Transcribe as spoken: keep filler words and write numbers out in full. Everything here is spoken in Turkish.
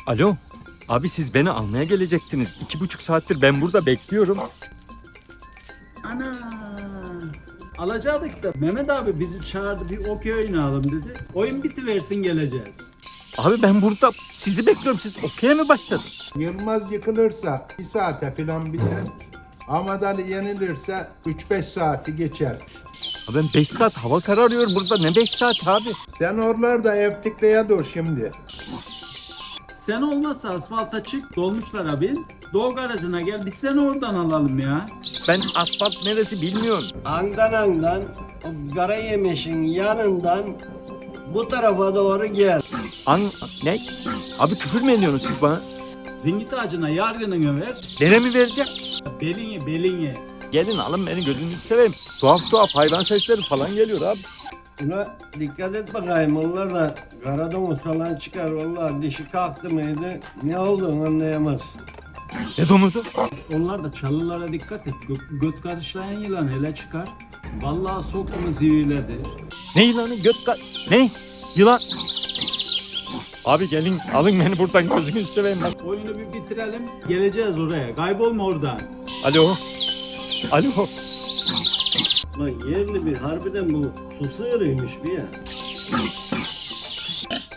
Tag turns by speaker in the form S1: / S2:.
S1: Alo. Abi siz beni almaya gelecektiniz. İki buçuk saattir ben burada bekliyorum.
S2: Ana. Alacaktık da Mehmet abi bizi çağırdı, bir okey oynayalım dedi. Oyun bitiversin geleceğiz.
S1: Abi ben burada sizi bekliyorum. Siz okey'e mi başladınız?
S3: Yılmaz yıkılırsa bir saate falan biter. Ahmet Ali yenilirse üç beş saati geçer.
S1: Abi ben beş saat hava kararıyor burada. Ne beş saat abi?
S3: Sen oralarda evtikleye dur şimdi.
S2: Sen olmazsa asfalta çık, dolmuşlara bin. Doğu garajına gel, biz seni oradan alalım ya.
S1: Ben asfalt neresi bilmiyorum.
S4: Andan andan o Karayemiş'in yanından bu tarafa doğru gel.
S1: An... Ne? Abi küfür mü ediyorsunuz siz bana?
S2: Zingit ağacına yargınını ver,
S1: Nere mi vereceğim?
S2: belini belini.
S1: Gelin alın beni, gözünüzü seveyim. Tuhaf tuhaf hayvan sesleri falan geliyor abi.
S4: Buna dikkat et bakayım, onlar da karadomuz falan çıkar vallahi, dişi kalktı mıydı ne olduğunu anlayamaz.
S1: Ne domuzu?
S2: Onlar da çalılara dikkat et. Gö- göt karışlayan yılan hele çıkar. Vallahi soktu mu zivriledir.
S1: Ne yılanı? Göt ka... Ne? Yılan... Abi gelin alın beni buradan, gözünüzü seveyim bak.
S2: Oyunu bir bitirelim, geleceğiz oraya. Kaybolma oradan.
S1: Alo. Alo.
S4: Lan yerli bir harbiden bu su sığırıymış bir ya.